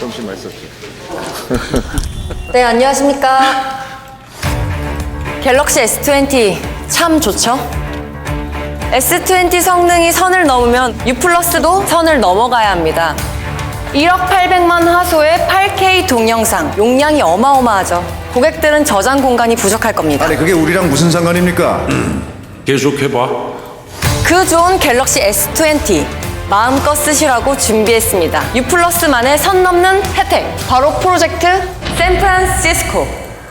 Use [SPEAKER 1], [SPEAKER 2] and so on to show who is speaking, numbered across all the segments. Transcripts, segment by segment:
[SPEAKER 1] 조금씩 맛있었죠.
[SPEAKER 2] 네, 안녕하십니까. 갤럭시 S20 참 좋죠? S20 성능이 선을 넘으면 U 플러스도 선을 넘어가야 합니다. 1억 800만 화소의 8K 동영상, 용량이 어마어마하죠. 고객들은 저장 공간이 부족할 겁니다.
[SPEAKER 3] 아니 그게 우리랑 무슨 상관입니까?
[SPEAKER 4] 계속해봐.
[SPEAKER 2] 그 좋은 갤럭시 S20 마음껏 쓰시라고 준비했습니다. U 플러스만의 선 넘는 혜택, 바로 프로젝트 샌프란시스코.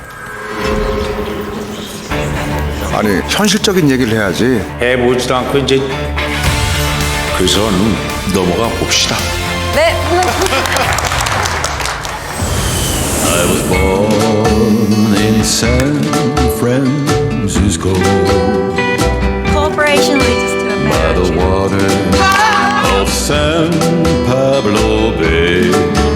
[SPEAKER 3] 아니 현실적인 얘기를 해야지.
[SPEAKER 4] 해보지도 않고 이제 그 선 넘어가 봅시다.
[SPEAKER 2] 네.
[SPEAKER 5] I was born in San Francisco
[SPEAKER 6] Cooperation leads us to a
[SPEAKER 5] by the
[SPEAKER 6] marriage.
[SPEAKER 5] water of San Pablo Bay.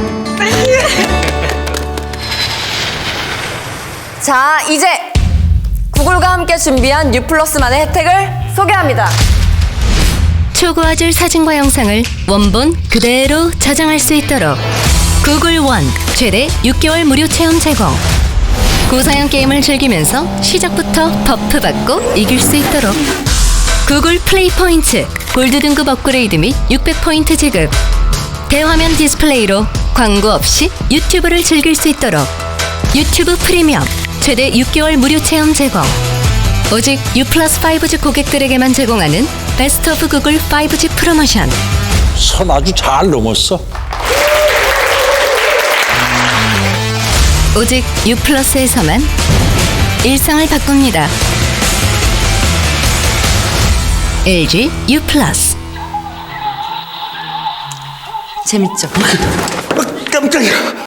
[SPEAKER 2] 자, 이제 구글과 함께 준비한 U 플러스만의 혜택을 소개합니다.
[SPEAKER 7] 초고화질 사진과 영상을 원본 그대로 저장할 수 있도록 구글 원 최대 6개월 무료 체험 제공. 고사양 게임을 즐기면서 시작부터 버프 받고 이길 수 있도록 구글 플레이 포인트 골드 등급 업그레이드 및 600포인트 지급. 대화면 디스플레이로 광고 없이 유튜브를 즐길 수 있도록 유튜브 프리미엄 최대 6개월 무료 체험 제공. 오직 U 플러스 5G 고객들에게만 제공하는 베스트 오브 구글 5G 프로모션.
[SPEAKER 4] 선 아주 잘 넘었어.
[SPEAKER 7] 오직 U 플러스에서만 일상을 바꿉니다. LG U 플러스.
[SPEAKER 2] 재밌죠?
[SPEAKER 3] 깜짝이야.